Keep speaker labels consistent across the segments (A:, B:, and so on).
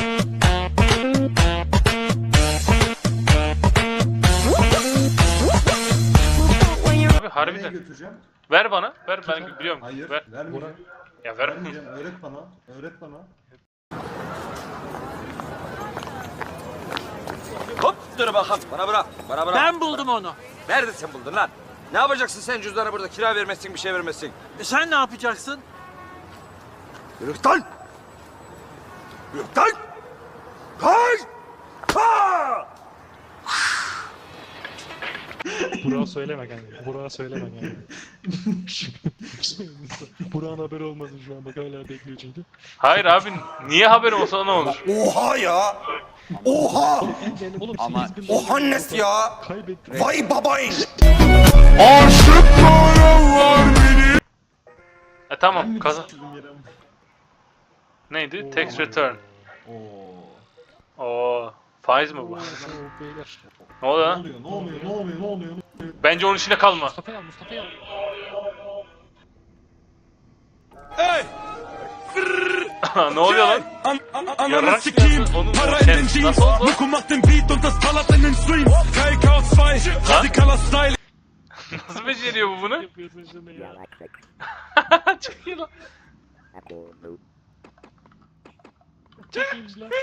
A: Abi harbiden.
B: Götüreceğim.
A: Ver bana. Ver ben biliyorum.
B: Hayır,
A: Ver.
B: vermeyeceğim.
A: Ya ver.
B: Vermeyeceğim. Öğret bana. Öğret bana.
C: Hop dur bakalım. Bana bırak. Bana bırak.
D: Ben buldum onu.
C: Nerede sen buldun lan? Ne yapacaksın sen cüzdanı burada? Kira vermezsin, bir şey vermezsin.
D: Sen ne yapacaksın?
C: Yürü lan! Yürü lan! Kay! Ka!
E: Burak'a söyleme kanka. Burak'a söyleme kanka. Burak'ın haberi olmasın şu an. Bak hala bekliyor çünkü.
A: Hayır abi niye haberim olsa ne olur?
C: Oha ya! Oha!
E: Oğlum
C: Ama
E: 8.000 dolar
C: oha nesi ya?
E: kaybettim.
C: Vay babayın!
A: Tamam kazan.
B: Çizdim yere.
A: Neydi? Tax return.
B: Oo.
A: Oo. Faiz mi bu?
E: Oo, beyler.
A: Ne oluyor
B: Ne
A: lan?
B: oluyor? Ne oluyor? Ne oluyor? Ne oluyor?
A: Bence onun içinde kalma.
E: Mustafa'yı al, Mustafa'yı al.
A: Ne oluyor lan?
F: Ananı sikeyim, para in den Jeans, Muko macht den Beat und das ballert in den Streams. KK 2, radikaler Style.
A: Nasıl beceriyor bu bunu?
E: Yapıyorsun şunu ya.
A: Çok iyi lan.
E: Çok iyiymiş lan.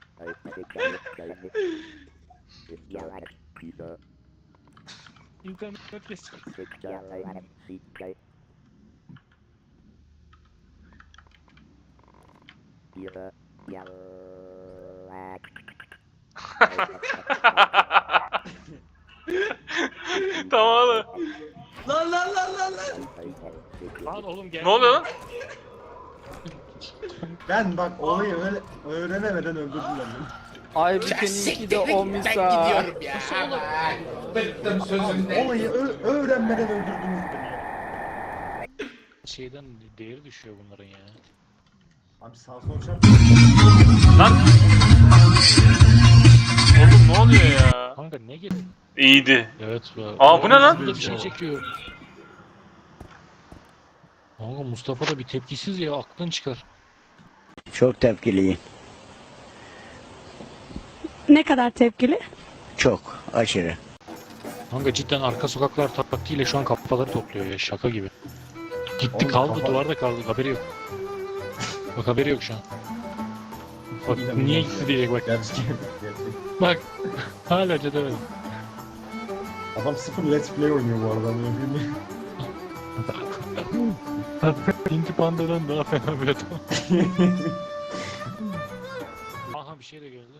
E: İnternet kesin.
A: Tamam oğlum.
D: Lan lan lan lan lan.
E: Lan oğlum gel.
A: Ne oluyor lan?
B: Ben bak olayı öğrenemeden öldürdüm beni.
G: Ay bir seninki de o misa.
B: Olayı öğrenmeden öldürdünüz beni.
E: Şeyden değeri düşüyor bunların ya.
B: Abi sağ sol çarp.
A: Lan. Oğlum ne oluyor ya?
E: Kanka ne geldi?
A: İyiydi.
E: Evet.
A: Aa, bu ne lan?
E: Burada bir şey çekiyor. Kanka Mustafa da bir tepkisiz ya, aklın çıkar.
H: Çok tepkiliyim.
I: Ne kadar tepkili?
H: Çok. Aşırı.
E: Kanka cidden arka sokaklar taktiğiyle şu an kafaları topluyor ya, şaka gibi. Gitti
B: Oğlum,
E: kaldı,
B: kafa-
E: duvarda kaldı, haberi yok. Bak haberi yok şu an. Bak niye gitti diyecek bak.
B: Gerçek.
E: Bak hala çözemedim.
B: Adam sıfır let's play oynuyor bu arada.
E: Pinky Panda'dan daha fena bir adam. Aha bir şey de geldi.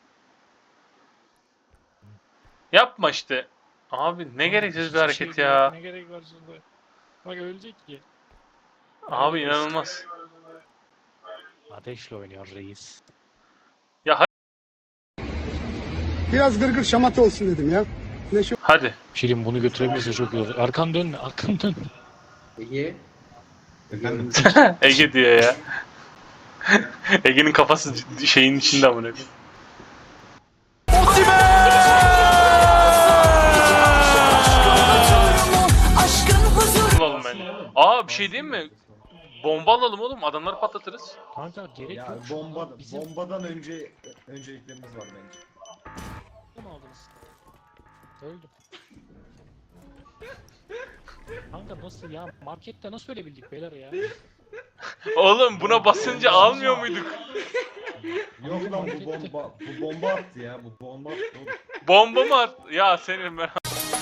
A: Yapma işte. Abi ne gereksiz bir
E: Hiçbir
A: hareket
E: şey
A: ya.
E: yok, ne gerek var şimdi? Bak ölecek ki.
A: Abi inanılmaz.
E: Ateşle oynuyor reis.
G: Biraz gırgır şamata olsun dedim ya.
A: Hadi.
E: Şirin bunu götürebilirse çok iyi olur. Arkan dönme, arkan dönme.
B: Efendim?
A: Ege diyor ya. Ege'nin kafası şeyin içinde amına koyayım. Alalım bence. Aa bir şey diyeyim mi? Bomba alalım oğlum, adamları patlatırız.
E: Kanka gerek
B: Ya
E: yok. Şu an
B: bombadan önceliklerimiz var bence.
E: mı aldınız? Öldüm. Kanka nasıl ya? Markette nasıl ölebildik beyler ya?
A: Oğlum buna basınca almıyor muyduk?
B: Yok lan bu bomba attı ya. Bu bomba attı oğlum.
A: Bomba mı at? Ya senin ben...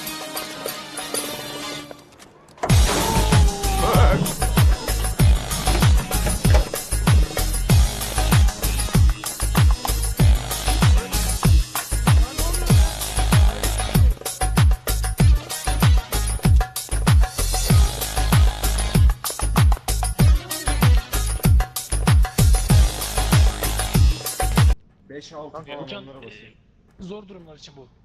B: Beş altı falan
E: Hocam
B: onlara basıyor.
E: zor durumlar için bu.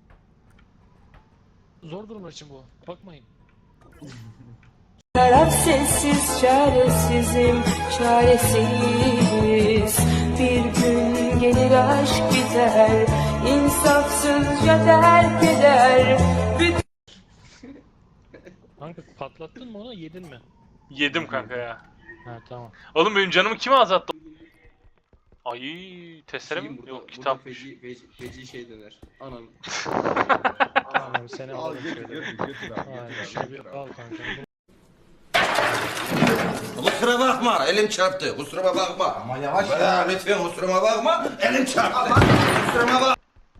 E: Zor durumlar için bu. Bakmayın.
J: Taraf sessiz, çaresizim, çaresiz. Bir gün gelir aşk biter, insafsızca terk eder.
E: Kanka patlattın mı onu, yedin mi?
A: Yedim kanka ya.
E: Ha tamam.
A: Oğlum benim canımı kim azalttı? Ay testere mi? Yok kitap.
D: Feci şey döner. Anam.
E: Tamam seni
B: Al
E: alalım
B: götür
E: şöyle.
B: götür götür abi.
E: Aynen
B: Götür
E: şunu
B: abi,
E: bir
B: götür abi.
E: al kanka.
C: Kusura bakma elim çarptı. Kusuruma bakma. Ama yavaş ya lütfen kusuruma bakma. Elim çarptı. Kusuruma bak.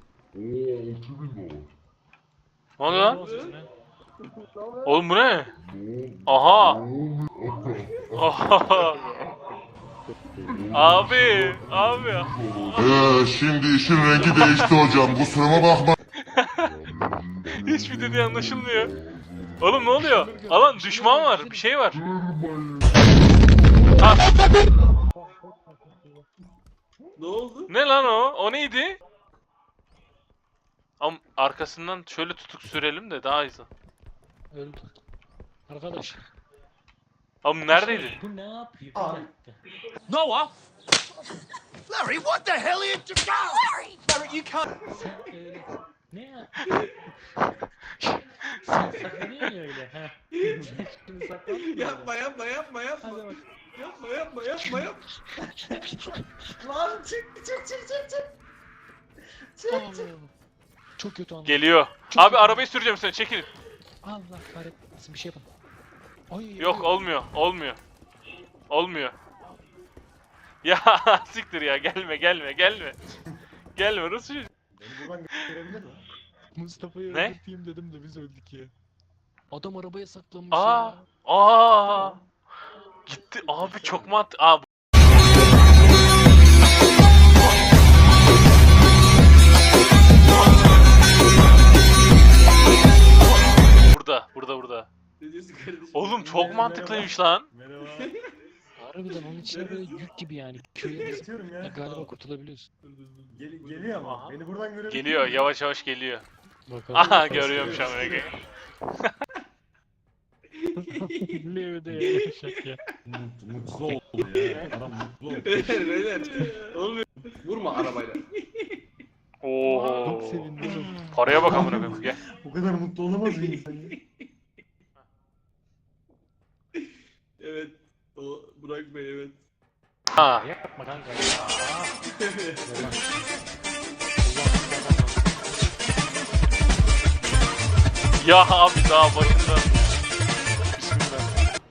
A: Ne oluyor lan? Oğlum bu ne? Aha. Aha. Abi.
F: Şimdi işin rengi değişti hocam. Kusuruma bakma.
A: Hiçbir dediği anlaşılmıyor. Oğlum ne oluyor? Alan düşman var. Bir şey var. Ha,
D: Ne oldu?
A: ne lan o? O neydi? Ama arkasından şöyle tutuk sürelim de daha hızlı.
E: Öldü. Arkadaş.
A: Abi neredeydi?
E: Bu ne yapıyor?
B: Abi.
C: Noah. Larry, what the hell are you doing? Larry, you can't.
E: Sen öyle. Ne yapıyorsun? Sen saklanıyorsun ya öyle. Ha. Sen şimdi saklanmıyorsun.
D: Yapma.
E: Hadi bak.
D: Yapma. Lan çık.
E: Çok kötü anladım.
A: Geliyor. Abi arabayı süreceğim seni. Çekilin.
E: Allah kahretmesin bir şey yapın. Ay,
A: Yok olmuyor. Olmuyor. Ya siktir ya gelme. Gelme Rusya.
B: Beni buradan götürebilir mi?
E: Mustafa'yı
A: Ne?
E: öldürteyim dedim de biz öldük ya. Adam arabaya saklanmış
A: Aa.
E: ya.
A: Aa. Gitti abi çok Aa. Burada.
D: Ne diyorsun kardeşim?
A: Oğlum çok mantıklıymış lan.
B: Merhaba.
E: Harbiden onun içine böyle yük gibi yani. Köye basıp
B: Yatıyorum ya.
E: galiba kurtulabiliyorsun.
B: Geliyor ama.
A: Aha.
B: Beni buradan görebilir
A: Geliyor
B: mi?
A: yavaş geliyor.
E: Bakalım.
A: Aha görüyorum şu an Ege.
E: Leo de yaşak ya.
B: Mutlu oldu ya. Adam mutlu oldu.
D: Beyler. Olmuyor. Vurma arabayla.
A: Oo.
E: Çok sevindim.
A: Paraya bak amına koyayım. Gel.
B: Bu kadar mutlu olamaz bir insan ya.
D: Evet. O Burak Bey evet.
A: Ha.
E: Yapma kanka.
A: Ya abi daha başında. Bismillah.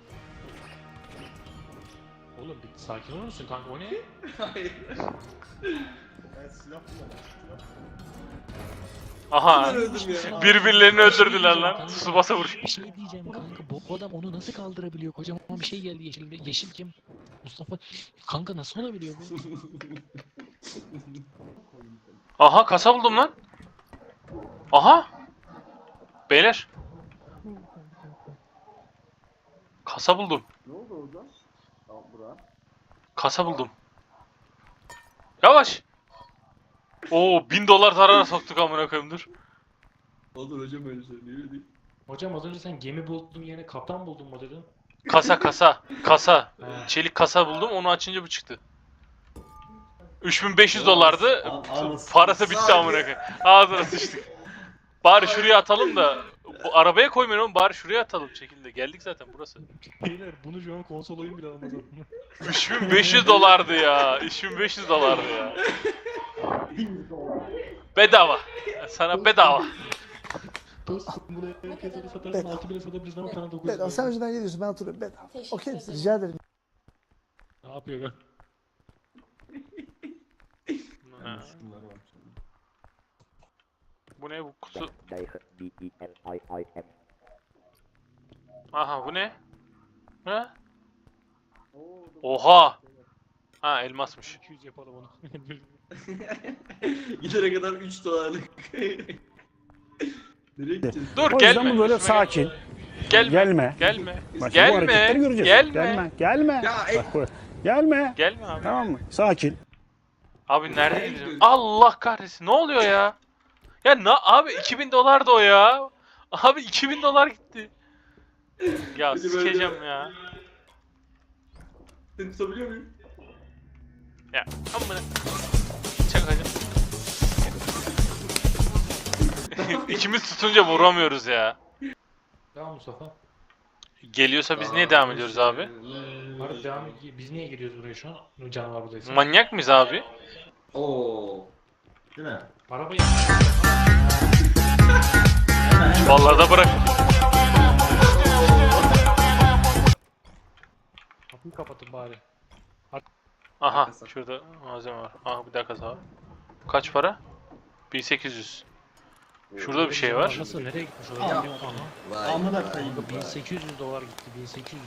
E: Oğlum bir sakin olur musun kanka o ne?
D: Hayır.
B: Ben silah kullanıyorum.
A: Aha.
D: Ben öldüm ya.
A: Birbirlerini öldürdüler lan. Tsubasa vuruş.
E: Bir şey diyeceğim kanka bu adam onu nasıl kaldırabiliyor kocaman bir şey geldi yeşil. Yeşil kim? Mustafa. Kanka nasıl olabiliyor bu?
A: Aha kasa buldum lan. Aha. Beyler. Kasa buldum.
B: Ne oldu orada? Tamam Burak.
A: Kasa buldum. Yavaş. Oo $1000 zarara soktuk amına koyayım dur.
D: Olur hocam öyle söylüyor değil.
E: Hocam az önce sen gemi buldun yerine kaptan buldun mu dedin?
A: Kasa.
E: Ha.
A: Çelik kasa buldum onu açınca bu çıktı. $3500'dı.
B: Anasını
A: Parası bitti amına koyayım. Ağzına sıçtık. Bari şuraya atalım da bu arabaya koymayın oğlum bari şuraya atalım şekilde. Geldik zaten burası.
E: Beyler bunu şu an konsol oyun bile almaz aklına.
A: $3500'dı ya. $3500'dı ya. Bedava. Sana bedava.
E: Dostum bunu herkese satarsın 6000'e satabilirsin ama sana 900
G: Bedava. Sen önceden geliyorsun ben oturuyorum bedava. Okey misin? Rica ederim.
E: Ne yapıyor lan?
A: Ha. Bu ne bu kutu? Aha bu ne? Ha? Oha! Ha elmasmış.
E: 200 yapalım onu.
D: Gidene kadar $3. Nereye gideceğiz?
A: Dur
G: O
A: gelme.
G: yüzden bu böyle
A: üstüme
G: sakin.
A: Gelme.
G: Gelme.
A: Gelme.
G: Bak, bu hareketleri
A: Gelme.
G: göreceğiz.
A: Gelme.
G: Gelme.
D: Ya
G: Bak bu. Gelme.
A: Gelme abi.
G: Tamam mı? Sakin.
A: Abi nerede gidiyorsun? Allah kahretsin. Ne oluyor ya? Ya abi $2000 da o ya. Abi $2000 gitti. Ya
D: Hadi
A: sikeceğim ya.
D: Seni tutabiliyor muyum?
A: Ya amına. Çakacağım. İkimiz tutunca vuramıyoruz ya.
E: Tamam Mustafa.
A: Geliyorsa biz niye devam ediyoruz abi?
E: Hadi devam et. Biz niye giriyoruz buraya şu an? Canavar buradaysa.
A: Manyak mıyız abi?
D: Oo.
B: Değil mi?
E: Arabayı
A: Vallahi da bırak.
E: kapıyı kapatın bari.
A: Aha şurada malzeme var. Aha bir daha kaza var. Kaç para? 1800. Şurada bir şey var.
E: Nasıl nereye gitmiş o?
B: Ya.
E: Aha.
B: Amına koyayım.
E: 1800 dolar gitti. 1800.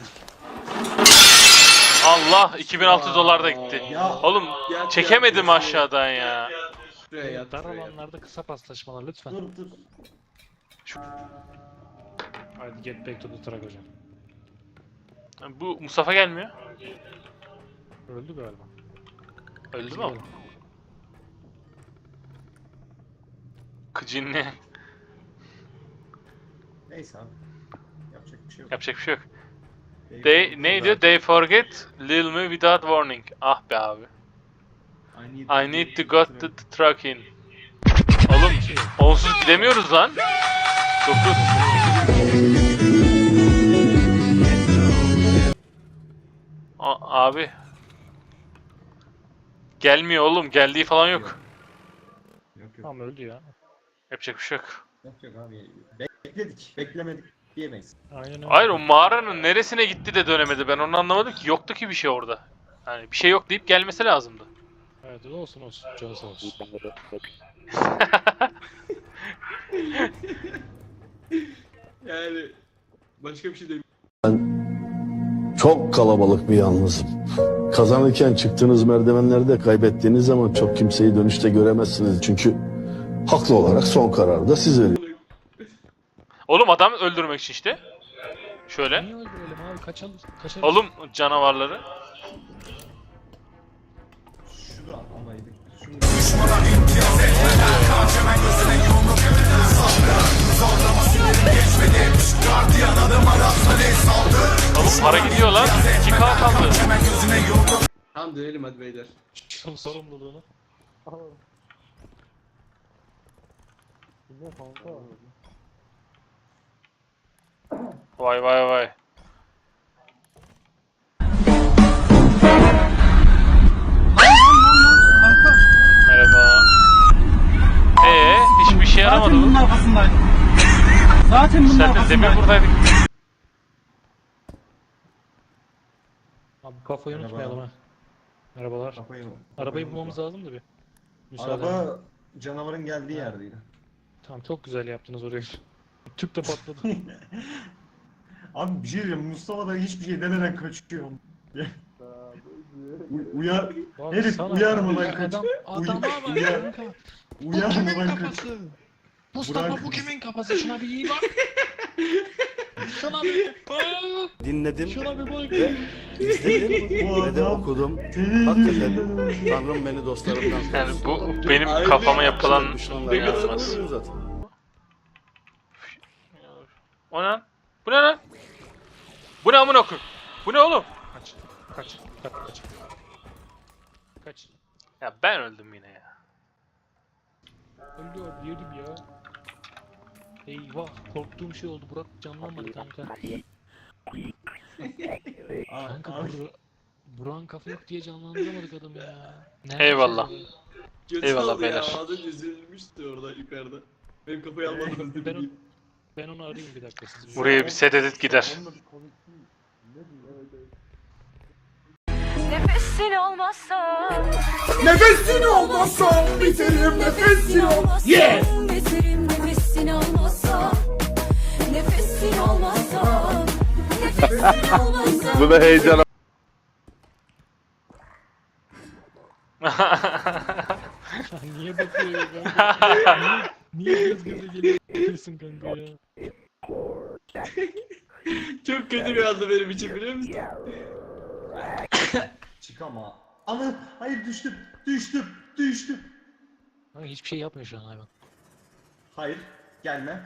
A: Allah 2600 dolar da gitti.
B: Ya.
A: Oğlum çekemedim aşağıdan ya.
D: Şuraya yat.
E: Dar
D: Şuraya yat.
E: alanlarda kısa paslaşmalar lütfen.
B: Dur.
E: Hadi get back to the truck hocam.
A: Bu Mustafa gelmiyor.
E: Öldü galiba.
A: Öldü mü o? Kıcinli.
B: Neyse abi. Yapacak bir şey yok.
A: Yapacak bir şey yok. Ne diyor? They forget Lil me without warning. Ah be abi. I need to get the truck in. Oğlum onsuz gidemiyoruz lan. 9. Abi. Gelmiyor oğlum. Geldiği falan yok.
B: Yok.
E: Tamam öldü ya.
A: Yapacak bir şey yok.
B: Yok abi. Bekledik. Beklemedik diyemeyiz.
E: Aynen öyle.
A: Hayır o mağaranın neresine gitti de dönemedi. Ben onu anlamadım ki. Yoktu ki bir şey orada. Yani bir şey yok deyip gelmesi lazımdı.
E: Evet olsun. Canı sağ olsun.
D: Yani başka bir şey değil.
G: Çok kalabalık bir yalnızım. Kazanırken çıktığınız merdivenlerde kaybettiğiniz zaman çok kimseyi dönüşte göremezsiniz. Çünkü haklı olarak son kararı da siz veriyorsunuz.
A: Oğlum adam öldürmek için işte. Şöyle.
E: Niye öldürelim abi? Kaçalım.
A: Oğlum canavarları.
B: Şurada atlamaydık.
A: Oğlum para gidiyor lan. 2K kaldı.
D: Tamam dönelim hadi beyler.
E: Şu sorumluluğunu. Ne kanka?
A: Vay. Merhaba. Hiçbir şey yaramadı bu.
G: Zaten
A: Sen de demin buradaydın.
E: Abi kafayı
B: Merhaba.
E: unutmayalım ha. Merhabalar. Arabayı bulmamız lazım da bir. Müsaade.
B: Araba canavarın geldiği yerdeydi.
E: Tamam çok güzel yaptınız orayı. Tüp de patladı.
B: Abi bir şey diyeceğim. Mustafa da hiçbir şey demeden kaçıyor. Uyar.
E: Bak
B: Herif
E: sana-
B: uyarmadan kaç.
E: Adama bak
B: Uyar.
E: kanka.
B: Uyarmadan kaç.
E: Mustafa
B: Burak-
E: bu kimin kafası? Şuna bir iyi bak. Şuna bir bak.
G: Dinledim
E: Şuna bir bak.
G: izledim
B: Bu
G: ve de
B: adam
G: okudum.
B: senin
G: Hakikaten
B: yüzünden öldü.
G: Tanrım beni dostlarımdan
A: Yani
G: korusun.
A: bu benim kafama yapılan
G: Düşmanlardan
A: inanılmaz.
G: korusun zaten.
A: O ne lan? Bu ne lan? Bu ne amına koyayım? Bu ne oğlum?
E: Kaç. Kaç.
A: Ya ben öldüm yine ya.
E: Öldü abi yedim ya. Eyvah korktuğum şey oldu. Burak canlanmadı kanka. Kanka Burak'ın kafa yok diye canlandıramadık adamı ya. Nerede
A: Eyvallah.
E: şey var?
D: Kötü
A: Eyvallah
D: oldu ya.
A: beyler.
D: Az önce üzülmüştü orada yukarıda. Benim kafayı almadınız dedi.
E: Ben onu arayayım bir dakika siz.
A: Buraya bir set edit gider.
J: Nefesin olmazsa
G: Nefesin olmazsa biterim nefesin olmazsa.
J: biterim nefesin olmazsa nefesin olmazsa nefesin olmazsa
G: Bu da heyecan.
E: Niye bakıyor ya kanka? Niye göz göze geliyorsun kanka ya?
D: Çok kötü bir anda benim için biliyor musun?
B: Çık ama. Ana hayır düştüm.
E: Kanka hiçbir şey yapmıyor şu an hayvan.
B: Hayır gelme.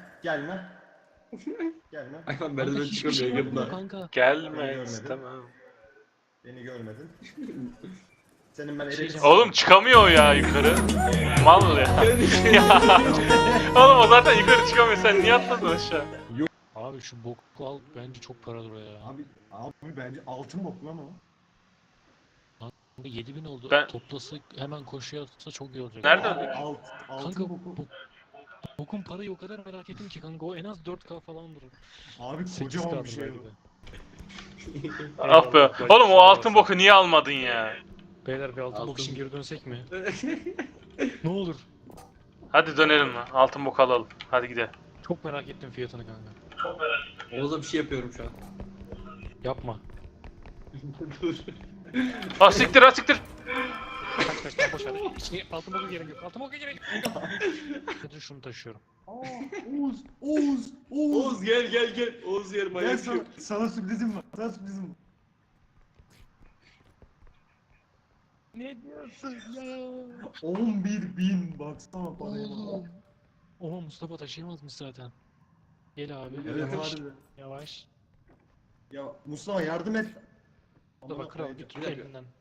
D: Hayvan
E: Kanka
D: merdiven
E: hiçbir şey
D: çıkamıyor
E: yapmıyor
D: yakında.
E: kanka.
A: Gelme istemem.
B: Beni görmedin. Senin ben
E: Şey-
B: elim.
A: Oğlum çıkamıyor o ya yukarı. Mal ya. Ya. Oğlum o zaten yukarı çıkamıyor. Sen niye atladın aşağı?
E: Abi Abi şu boku al bence çok paradır o ya.
B: Abi bence altın bok lan o.
E: 7000 oldu.
A: Ben-
E: Toplası hemen koşuya atsa çok iyi olacak.
A: Nerede?
B: Abi altın
E: Kanka
B: boku.
E: bokun parayı o kadar merak ettim ki kanka o en az 4K falandır.
B: Abi
E: 8K
B: kocaman bir şey
E: belki
B: bu.
E: de.
A: Ah be. Oğlum o altın boku niye almadın ya?
E: Beyler bir altın bok için geri dönsek mi? Ne olur.
A: Hadi dönelim lan. Altın boku alalım. Hadi gidelim.
E: Çok merak ettim fiyatını kanka.
D: Oğuz'a bir şey yapıyorum şu an.
E: Yapma.
D: Dur.
A: Ah siktir ah siktir.
E: Kaç kaç kaç boş ver. Altın boka gerek yok. Altın boka gerek yok. Hadi şunu taşıyorum.
B: Oğuz.
D: Oğuz gel. Oğuz yer
B: Gel
D: manyak yok.
B: sana sürprizim var. Sana sürprizim var.
E: Ne diyorsun ya?
B: 11.000 baksana paraya bak.
E: Oğlum. Oha Mustafa taşıyamazmış zaten. Gel abi.
B: Evet
E: Yavaş.
B: harbiden.
E: Yavaş.
B: Ya Mustafa yardım et.
E: Mustafa kral bir tut
D: Bir dakika.
E: elinden.